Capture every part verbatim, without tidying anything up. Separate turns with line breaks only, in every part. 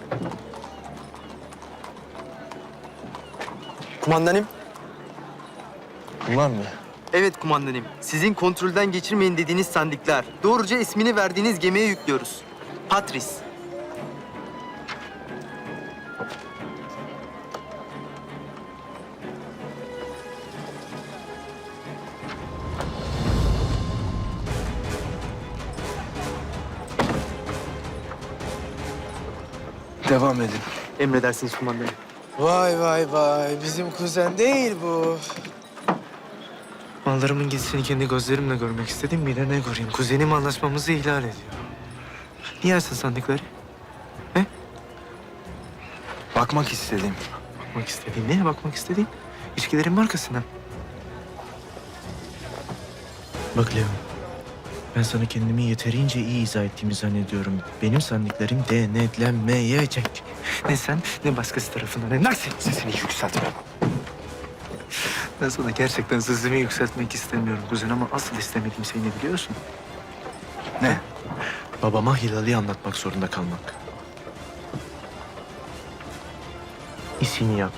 Kumandanım.
Bunlar mı?
Evet kumandanım. Sizin kontrolden geçirmeyin dediğiniz sandıklar. Doğruca ismini verdiğiniz gemiye yüklüyoruz. Patris.
Devam edin.
Emredersiniz kumandanım.
Vay vay vay. Bizim kuzen değil bu.
Mallarımın gitişini kendi gözlerimle görmek istedim. Bir de ne göreyim? Kuzenim anlaşmamızı ihlal ediyor. Niye açtın sandıkları? He?
Bakmak istedim.
Bakmak istediğin, neye bakmak istediğin? İçkilerin markasına. Bak Leo, ben sana kendimi yeterince iyi izah ettiğimi zannediyorum. Benim sandıklarım denetlenmeyecek. Ne sen, ne başkası tarafından, ne nasıl sesini yükseltme. Ben sana gerçekten sesimi yükseltmek istemiyorum kuzen ama asıl istemediğim şey ne biliyorsun?
Ne?
Babama Hilal'i anlatmak zorunda kalmak. İşini yap.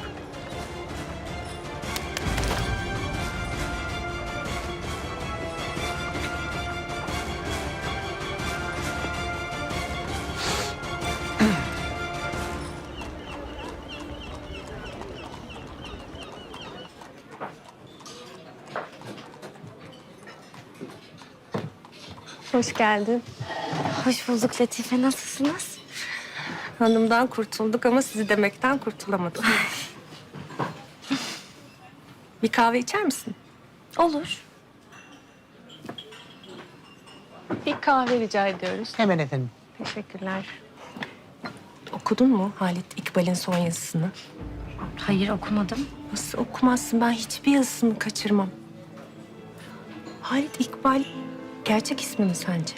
Hoş geldin.
Hoş bulduk Latife. Nasılsınız?
Hanımdan kurtulduk ama sizi demekten kurtulamadık. Bir kahve içer misin?
Olur.
Bir kahve rica ediyoruz.
Hemen efendim.
Teşekkürler. Okudun mu Halit İkbal'in son yazısını?
Hayır okumadım.
Nasıl okumazsın? Ben hiçbir yazısını kaçırmam. Halit İkbal gerçek ismi mi sence?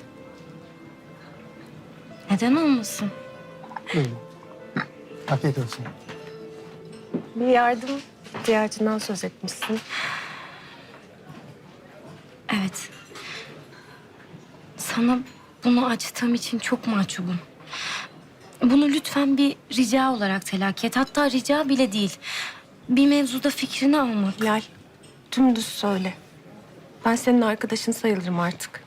Neden olmasın?
Afiyet olsun.
Bir yardım ihtiyacından söz etmişsin.
Evet. Sana bunu açtığım için çok mahcubum. Bunu lütfen bir rica olarak telakki et. Hatta rica bile değil. Bir mevzuda fikrini almak.
Hilal, dümdüz söyle. Ben senin arkadaşın sayılırım artık.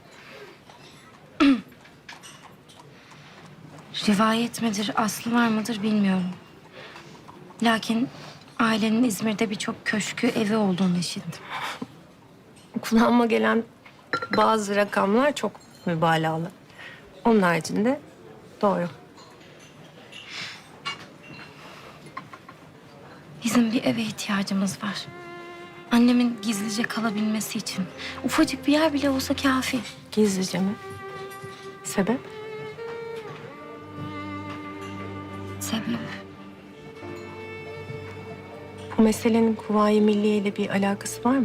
Rivayet midir, aslı var mıdır bilmiyorum. Lakin ailenin İzmir'de birçok köşkü, evi olduğunu işittim.
Kulağıma gelen bazı rakamlar çok mübalağalı. Onun haricinde doğru.
Bizim bir eve ihtiyacımız var. Annemin gizlice kalabilmesi için. Ufacık bir yer bile olsa kafi.
Gizlice mi? Sebep?
Sebep?
Bu meselenin Kuvayi Milliye ile bir alakası var mı?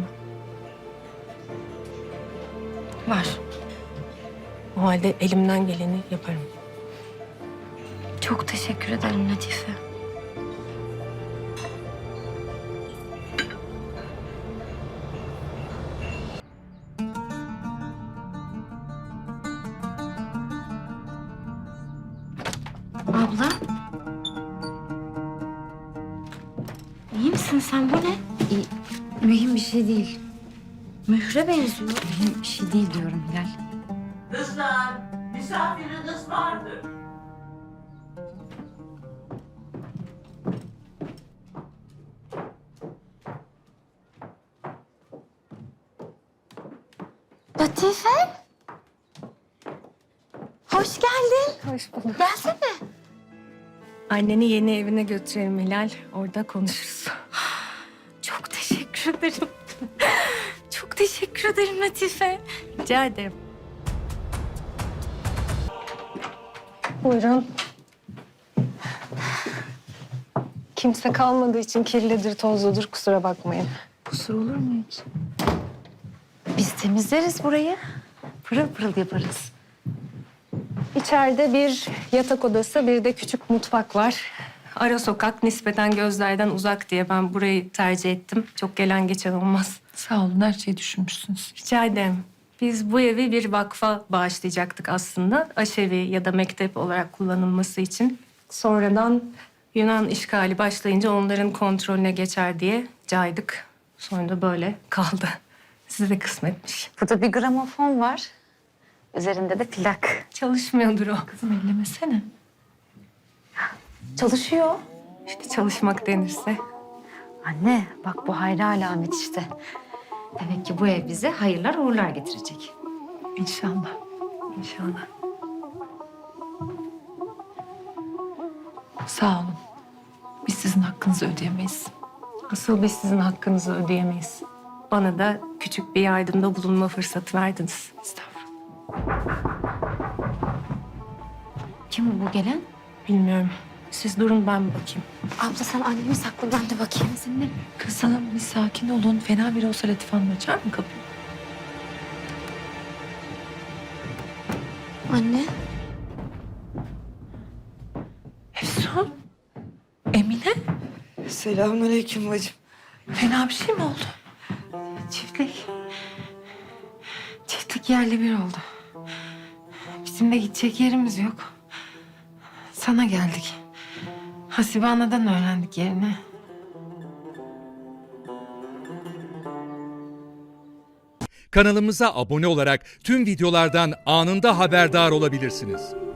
Var.
O halde elimden geleni yaparım.
Çok teşekkür ederim Latife. Abla. İyi misin sen? Bu ne?
İyi, mühim bir şey değil.
Mühre benziyor.
Mühim bir şey değil diyorum Hilal.
Kızlar, misafiriniz vardır.
Latife. Hoş geldin.
Hoş bulduk.
Gelsene.
Anneni yeni evine götürelim Hilal. Orada konuşuruz.
Çok teşekkür ederim. Çok teşekkür ederim Latife.
Rica ederim. Buyurun. Kimse kalmadığı için kirlidir, tozludur. Kusura bakmayın.
Kusur olur mu hiç? Biz temizleriz burayı. Pırıl pırıl yaparız.
İçeride bir yatak odası, bir de küçük mutfak var. Ara sokak, nispeten gözlerden uzak diye ben burayı tercih ettim. Çok gelen geçen olmaz.
Sağ olun, her şeyi düşünmüşsünüz.
Rica ederim. Biz bu evi bir vakfa bağışlayacaktık aslında. Aşevi ya da mektep olarak kullanılması için. Sonradan Yunan işgali başlayınca onların kontrolüne geçer diye caydık. Sonra da böyle kaldı. Size de kısmetmiş.
Burada bir gramofon var. Üzerinde de plak.
Çalışmıyordur o.
Kızım ellemesene. Çalışıyor.
İşte çalışmak denirse.
Anne bak bu hayra alamet işte. Demek ki bu ev bize hayırlar uğurlar getirecek.
İnşallah. İnşallah.
Sağ olun. Biz sizin hakkınızı ödeyemeyiz.
Asıl biz sizin hakkınızı ödeyemeyiz. Bana da küçük bir yardımda bulunma fırsatı verdiniz.
Estağfurullah.
Kim bu gelen?
Bilmiyorum. Siz durun ben bir bakayım.
Abla sen annemi sakla ben de bakayım seninle.
Kızım bir sakin olun. Fena biri olsa Latif Hanım açar mı kapıyı?
Anne.
Efsun. Emine.
Selamünaleyküm bacım.
Fena bir şey mi oldu?
Çiftlik. Çiftlik yerle bir oldu. Bizim de gidecek yerimiz yok. Sana geldik. Hasibe Ana'dan öğrendik yerini.
Kanalımıza abone olarak tüm videolardan anında haberdar olabilirsiniz.